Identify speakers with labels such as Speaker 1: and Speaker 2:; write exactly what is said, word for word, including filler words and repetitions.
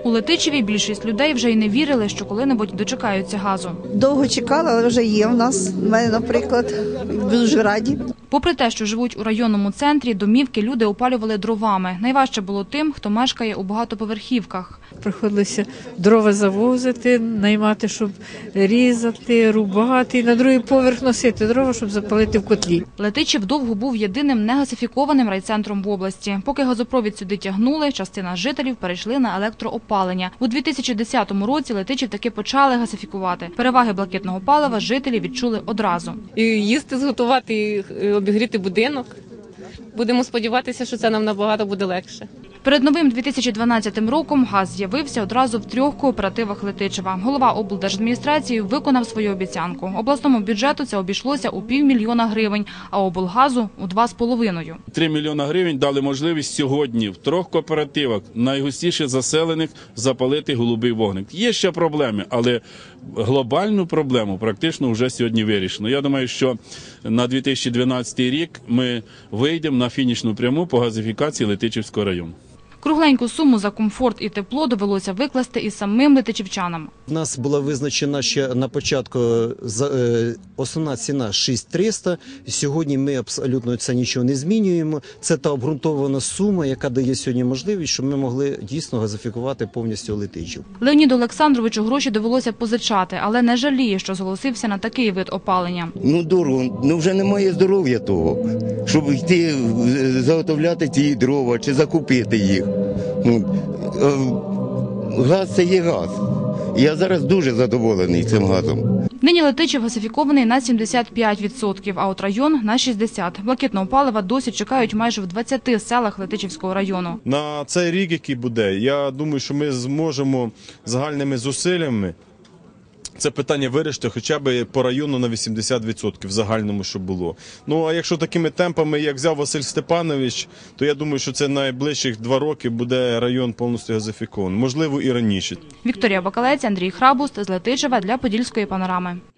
Speaker 1: У Летичеві більшість людей вже й не вірили, що коли-небудь дочекаються газу.
Speaker 2: Довго чекали, але вже є в нас. У мене, наприклад, дуже раді.
Speaker 1: Попри те, що живуть у районному центрі, домівки люди опалювали дровами. Найважче було тим, хто мешкає у багатоповерхівках.
Speaker 3: Приходилося дрова завозити, наймати, щоб різати, рубати і на другий поверх носити дрова, щоб запалити в котлі.
Speaker 1: Летичів довго був єдиним негазифікованим райцентром в області. Поки газопровід сюди тягнули, частина жителів перейшли на електроопалення. У дві тисячі десятому році Летичів таки почали газифікувати. Переваги блакитного палива жителі відчули одразу.
Speaker 4: І їсти зготувати, і обігріти будинок. Будемо сподіватися, що це нам набагато буде легше.
Speaker 1: Перед новим дві тисячі дванадцятим роком газ з'явився одразу в трьох кооперативах Летичева. Голова облдержадміністрації виконав свою обіцянку. Обласному бюджету це обійшлося у півмільйона гривень, а облгазу – у два з половиною.
Speaker 5: Три мільйона гривень дали можливість сьогодні в трьох кооперативах, найгустіше заселених, запалити голубий вогник. Є ще проблеми, але глобальну проблему практично вже сьогодні вирішено. Я думаю, що на дві тисячі дванадцятий рік ми вийдемо на фінішну пряму по газифікації Летичівського району.
Speaker 1: Кругленьку суму за комфорт і тепло довелося викласти і самим летичівчанам.
Speaker 6: У нас була визначена ще на початку основна ціна шість тисяч триста. Сьогодні ми абсолютно це нічого не змінюємо. Це та обґрунтована сума, яка дає сьогодні можливість, щоб ми могли дійсно газифікувати повністю Летичів.
Speaker 1: Леоніду Олександровичу гроші довелося позичати, але не жаліє, що зголосився на такий вид опалення.
Speaker 7: Ну дорого, ну вже немає здоров'я того, щоб йти заготовляти ті дрова чи закупити їх. Газ – це є газ. Я зараз дуже задоволений цим газом.
Speaker 1: Нині Летичів газифікований на сімдесят п'ять відсотків, а от район – на шістдесят відсотків. Блакитного палива досі чекають майже в двадцяти селах Летичівського району.
Speaker 8: На цей рік, який буде, я думаю, що ми зможемо загальними зусиллями це питання вирішити хоча б по району на вісімдесят відсотків в загальному, що було. Ну, а якщо такими темпами, як взяв Василь Степанович, то я думаю, що це найближчих два роки буде район повністю газифікований. Можливо, і раніше.
Speaker 1: Вікторія Бакалець, Андрій Храбуст з Летичева для Подільської панорами.